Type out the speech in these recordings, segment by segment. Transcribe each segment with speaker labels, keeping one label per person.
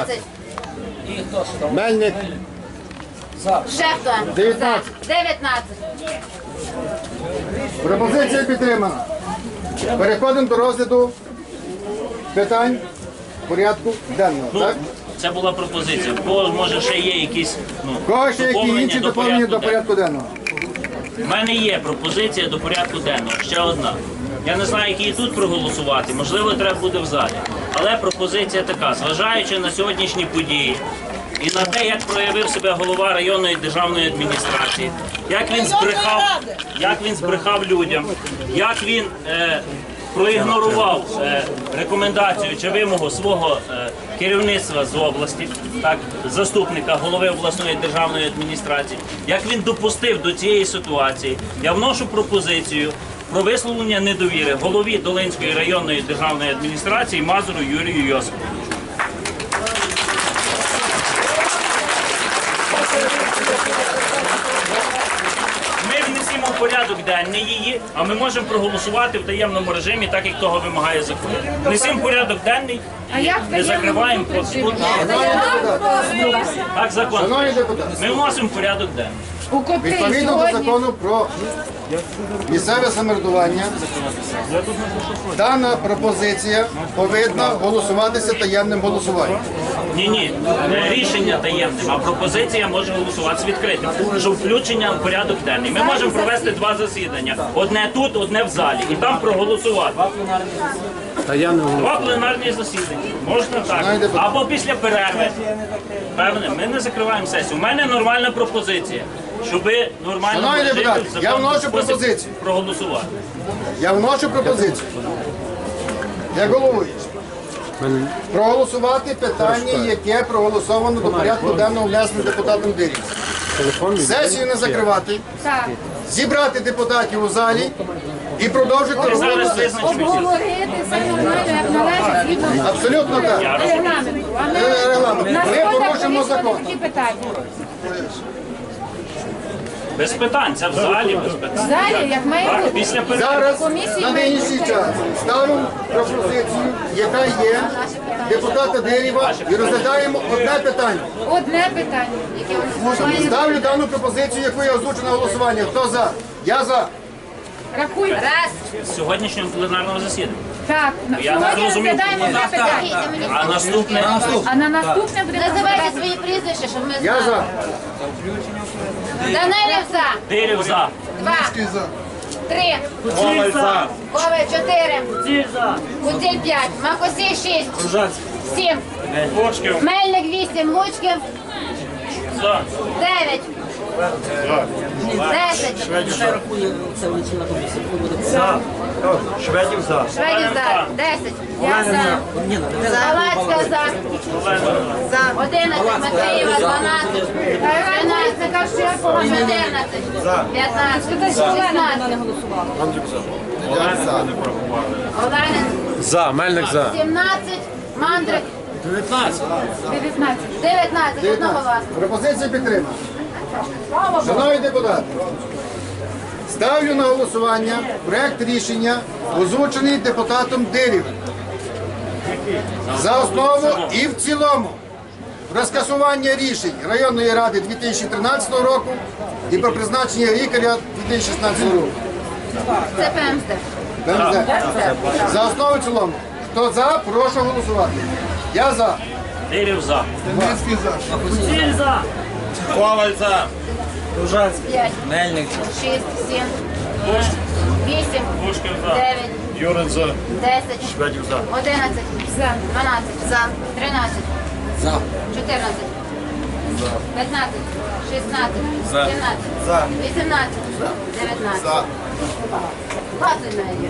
Speaker 1: 18.
Speaker 2: Мельник.
Speaker 1: Ще хто?
Speaker 2: 19.
Speaker 1: 19.
Speaker 2: Пропозиція підтримана. Переходимо до розгляду питань порядку денного. Так?
Speaker 3: Це була пропозиція. Бо може ще є якісь
Speaker 2: Кого ще які інші доповнення до порядку денного?
Speaker 3: У мене є пропозиція до порядку денного. Ще одна. Я не знаю, які тут проголосувати. Можливо, треба буде в залі. Але пропозиція така. Зважаючи на сьогоднішні події і на те, як проявив себе голова районної державної адміністрації, як він збрехав людям, як він проігнорував рекомендацію чи вимогу свого керівництва з області, так, заступника голови обласної державної адміністрації, як він допустив до цієї ситуації, я вношу пропозицію про висловлення недовіри голові Долинської районної державної адміністрації Мазуру Юрію Йосиповичу. Ми внесемо в порядок денний її, а ми можемо проголосувати в таємному режимі, так як того вимагає закон. Внесемо в порядок денний і не закриваємо процедуру. Так, закон.
Speaker 2: Шановні депутати,
Speaker 3: Ми вносимо в порядок денний.
Speaker 2: відповідно до закону про місцеве самоврядування, дана пропозиція повинна голосуватися таємним голосуванням.
Speaker 3: Ні, рішення таємним, а пропозиція може голосуватися відкритим, щоб включення в порядок денний. Ми можемо провести два засідання. Одне тут, одне в залі. І там проголосувати. Два пленарні засідання. Можна так. Або після перерви. Певне, ми не закриваємо сесію. У мене нормальна пропозиція, щоб нормально
Speaker 2: Шановні депутати, я вношу пропозицію.
Speaker 3: Проголосувати.
Speaker 2: Я вношу пропозицію. Як головуючий. Проголосувати питання, яке проголосовано до порядку денного внесено депутатом Дирів. Сесію не закривати, зібрати депутатів у залі і продовжити роботу
Speaker 3: Зараз
Speaker 2: сесії.
Speaker 3: визначимося.
Speaker 1: Обговорити все нормально, як належить, згідно
Speaker 2: Абсолютно так.
Speaker 1: регламенту. А
Speaker 2: Регламент. Ми порушимо закон.
Speaker 1: такі питання.
Speaker 3: Без питань, це в залі, без питань.
Speaker 1: В залі, як має
Speaker 3: Так,
Speaker 1: бути.
Speaker 3: після перерви.
Speaker 2: Зараз
Speaker 1: Комісії
Speaker 2: на нинішній час ставимо пропозицію, яка є депутата Дирєва, і розглядаємо одне питання.
Speaker 1: Одне питання, яке має
Speaker 2: Ставлю дану пропозицію, яку я озвучу на голосування. Хто за? Я за.
Speaker 1: рахуй. Раз.
Speaker 3: З сьогоднішнього пленарного засідання.
Speaker 1: Так,
Speaker 3: Я не
Speaker 1: сьогодні
Speaker 3: розумів.
Speaker 1: розглядаємо одне питання.
Speaker 3: А наступне
Speaker 1: А на наступне буде
Speaker 4: Називайте свої прізвища, щоб ми
Speaker 2: Я
Speaker 4: знали.
Speaker 2: за.
Speaker 4: Данилів за.
Speaker 3: Дирів за.
Speaker 4: 2. 3. Коваль за. Коваль 4. Куціль 5. Макосій 6. 7.
Speaker 3: Лучків
Speaker 4: Мельник 8. Лучків
Speaker 3: за.
Speaker 4: 9. 10.
Speaker 5: Шведів за.
Speaker 4: Шведів за. 10. Я за. Галацька за. 11. Матвієва 12. 13. 14. 15. 16. Оленин.
Speaker 5: За. Мельник за.
Speaker 4: 17. Мандрик.
Speaker 1: 19.
Speaker 4: 19. Одного власного.
Speaker 2: Пропозиція підтримана. Шановні депутати, ставлю на голосування проект рішення, озвучений депутатом Дирєвим. За основу і в цілому про скасування рішень районної ради 2013 року і про призначення лікаря 2016 року.
Speaker 4: Це ПМС.
Speaker 2: За основу і в цілому. Хто за, прошу голосувати. Я за.
Speaker 3: Дирів за.
Speaker 5: Коваль за.
Speaker 4: 5.
Speaker 5: Мельник.
Speaker 4: 6. 7. 8.
Speaker 3: Лучків за.
Speaker 4: 9.
Speaker 5: Юрин за.
Speaker 4: 10.
Speaker 5: Шведів за.
Speaker 4: 11.
Speaker 1: За.
Speaker 4: 12. За. 13.
Speaker 5: За.
Speaker 4: 14. 15. 16.
Speaker 5: За.
Speaker 4: 17.
Speaker 5: За.
Speaker 4: 18. 19.
Speaker 5: За.
Speaker 4: 20 навіть.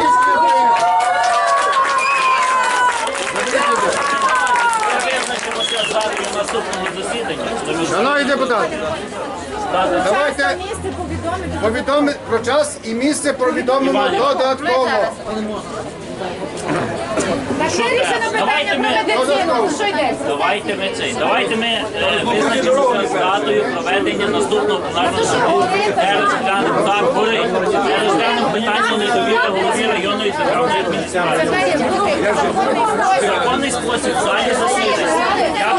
Speaker 3: Ми визначимося з залою наступного засідання.
Speaker 2: Шановні депутати, давайте повідомити про час і місце повідомимо додатково.
Speaker 1: Так вирішено питання про медицину. Що йдеться?
Speaker 3: Давайте ми визначимося з датою проведення наступного пленарного засідання. Так, горить. Розглянемо питання недовіри голові районної державної адміністрації. Законний спосіб в залі засідання. Я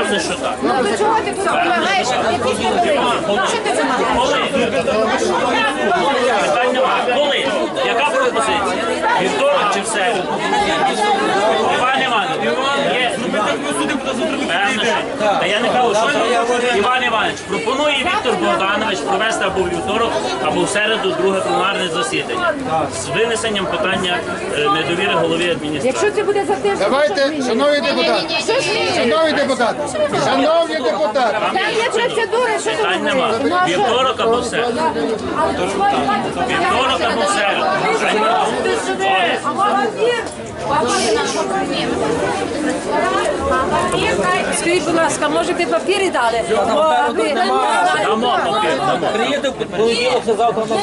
Speaker 3: Напевно, що так.
Speaker 1: Ну до чого ти все вимагаєш? Якісь невеликі. Що ти це маєш?
Speaker 3: Питань немає. Коли? Яка пропозиція? Вівторок чи в середу? Іван Іванович, є... Певно, що. Та я не кажу, що Іван Іванович, пропонує Віктор Богданович провести або в вівторок, або в середу друге пленарне засідання з винесенням питання недовіри голові адміністрації.
Speaker 1: Якщо це буде за тиждень,
Speaker 2: Давайте, шановні депутати, шановні депутати, шановні депутати,
Speaker 1: там є процедури, що ти
Speaker 3: Питань нема. Вівторок або в середу. Вівторок або в середу.
Speaker 6: Скажіть, будь ласка, може би папіри дали?
Speaker 3: Дамо папір, дамо.
Speaker 6: Приїде в понеділок, завтра на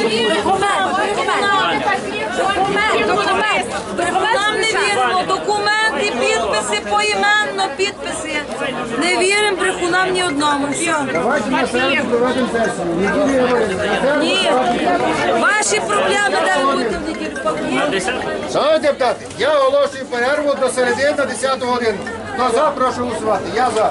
Speaker 6: Нам не віримо, документи, підписи, поіменно підписи. Не віримо брехунам ні одному. Все.
Speaker 2: давайте на середу проведемо сесію. Неділю говоримо.
Speaker 6: Ні. Ваші проблеми, де ви будете в неділю папір.
Speaker 3: На 10?
Speaker 2: Шановні депутати, я оголошую перерву до середи на 10 годину. Хто за, прошу голосувати. Я за.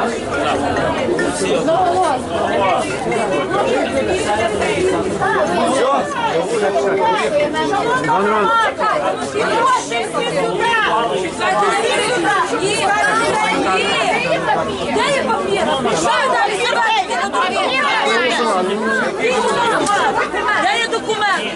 Speaker 6: Де є папір? Що ви далі збираєте на довір'я? Де є документ?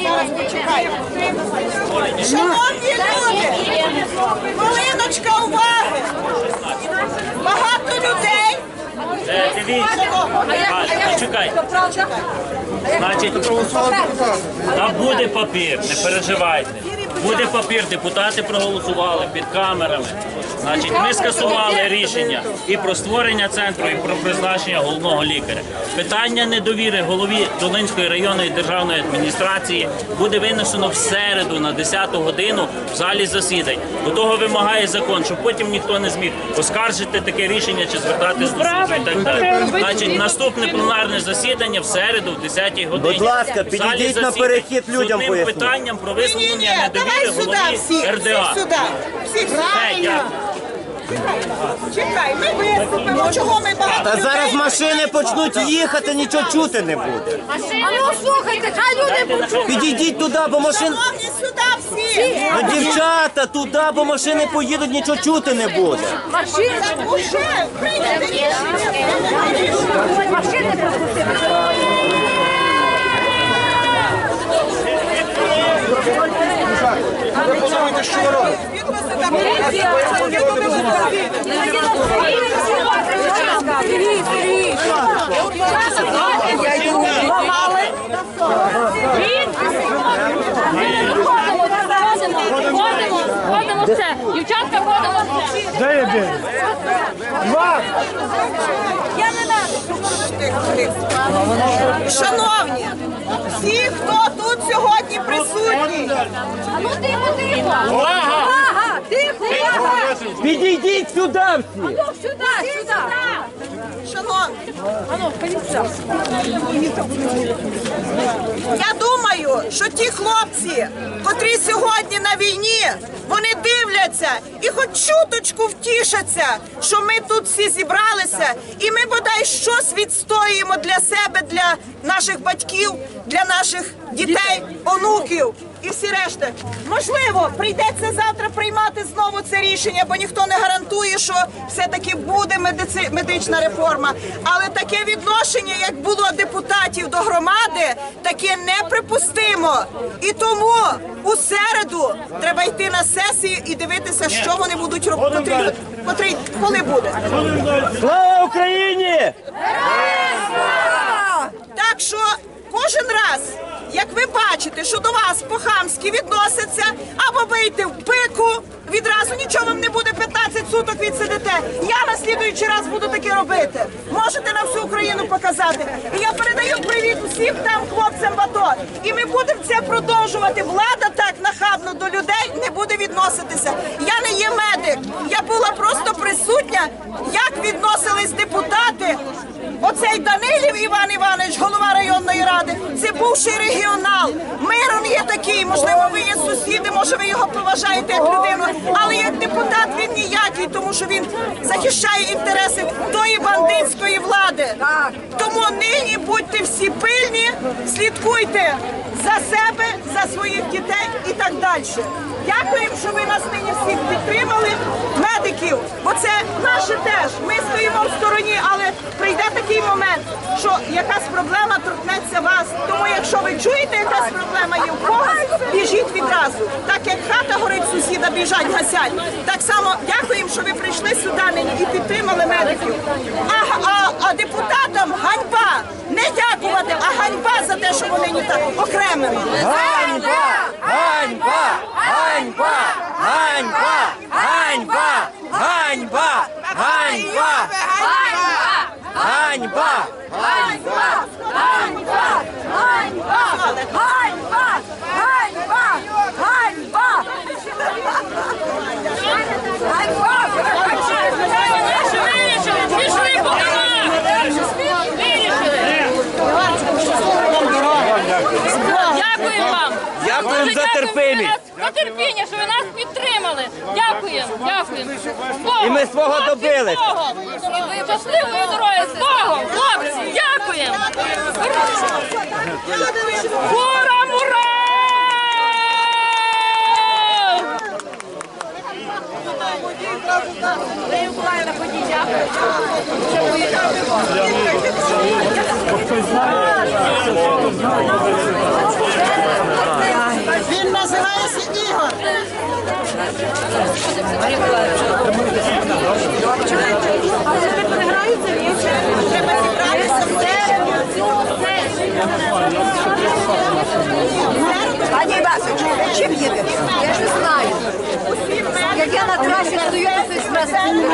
Speaker 7: Шановні люди, хвилиночка уваги. Багато людей.
Speaker 3: Дивіться. Почекайте. Значить, там буде папір, не переживайте. Буде папір, депутати проголосували під камерами. Значить, ми скасували рішення і про створення центру, і про призначення головного лікаря. Питання недовіри голові Долинської районної державної адміністрації буде винесено в середу на 10 годину в залі засідань. До того вимагає закон, щоб потім ніхто не зміг оскаржити таке рішення чи звертатись до суду і так далі. Значить, наступне пленарне засідання в середу в 10 годині.
Speaker 8: Будь ласка,
Speaker 3: В залі
Speaker 8: підійдіть на
Speaker 3: засідань
Speaker 8: перехід
Speaker 3: з
Speaker 8: людям
Speaker 3: одним
Speaker 8: поясніть.
Speaker 3: питанням про
Speaker 7: Ні,
Speaker 3: висловлення
Speaker 7: давай
Speaker 3: недовіри
Speaker 7: сюди
Speaker 3: голові
Speaker 7: всіх,
Speaker 3: РДА.
Speaker 7: всіх сюди. Всіх
Speaker 3: Все, дякую.
Speaker 7: Чекай, ми виступимо. Чого ми багато
Speaker 8: Та зараз
Speaker 7: людей?
Speaker 8: машини почнуть їхати, нічого чути не буде.
Speaker 1: А ну слухайте, хай люди почують.
Speaker 8: Підійдіть туди, бо машин...
Speaker 7: Шановні, сюди всі.
Speaker 8: Ну, дівчата, туди, бо машини поїдуть, нічого чути не буде.
Speaker 7: Так уже прийняти рішення.
Speaker 1: Машини пропустили.
Speaker 9: Ходимо все. Дівчатка, ходимо все.
Speaker 7: Шановні, всі, хто тут сьогодні присутні,
Speaker 1: Ну тихо, тихо.
Speaker 6: Ага, тихо, увага!
Speaker 8: Підійдіть сюди всі.
Speaker 6: Сюди, сюди!
Speaker 7: шановні, я думаю, що ті хлопці, котрі сьогодні на війні, вони дивляться і хоч чуточку втішаться, що ми тут всі зібралися, і ми бодай щось відстоюємо для себе, для наших батьків, для наших дітей, онуків і всі решта. Можливо, прийдеться завтра приймати знову це рішення, бо ніхто не гарантує, що все-таки буде медична реформа. Але таке відношення, як було депутатів до громади, таке неприпустимо. І тому у середу треба йти на сесію і дивитися, що вони будуть робити, коли буде.
Speaker 8: Слава Україні!
Speaker 7: Так що кожен раз, як ви бачите, що до вас по-хамськи відносяться, або бийте в пику, відразу нічого вам не буде, 15 суток відсидите. Я на слідуючий раз буду таке робити. Можете на всю Україну показати. І я передаю привіт усім там хлопцям в АТО. І ми будемо це продовжувати. Влада так нахабно до людей не буде відноситися. Я не є медик. Я була просто присутня, як відносились депутати. От Оцей Данилів Іван Іванович, голова районної ради, це бувший регіонал. Мирон є такий, можливо, ви є сусіди, може ви його поважаєте як людину, але як депутат він ніякий, тому що він захищає інтереси тої бандитської влади. Тому нині будьте всі пильні, слідкуйте за себе, за своїх дітей і так далі. Дякуємо, що ви нас нині всіх підтримали, медиків, бо це наше теж. Ми стоїмо в стороні, але прийде такий момент, що якась проблема торкнеться вас. Тому якщо ви чуєте, якась проблема є в когось, біжіть відразу. Так як хата горить, сусіда біжать, гасять. Так само дякуємо, що ви прийшли сюди нині і підтримали медиків. А депутатам ганьба! Не дякувати, а ганьба за те, що вони не так окремими.
Speaker 8: Ганьба! Ганьба! Ганьба! Ганьба! Ганьба! Ганьба! Ганьба! Ганьба!
Speaker 6: Дякуємо вам.
Speaker 8: Дякуємо за терпимість.
Speaker 6: За терпіння, що ви нас підтримали. Дякуємо, дякуємо.
Speaker 8: І ми свого добились.
Speaker 6: Щасливої дороги, з Богом, хлопці, дякуємо. Ура, ура!
Speaker 7: Він називається Ігор.
Speaker 4: Пані Івасович, чим їдете? Я ж не знаю. Як я на трасі стою, то хтось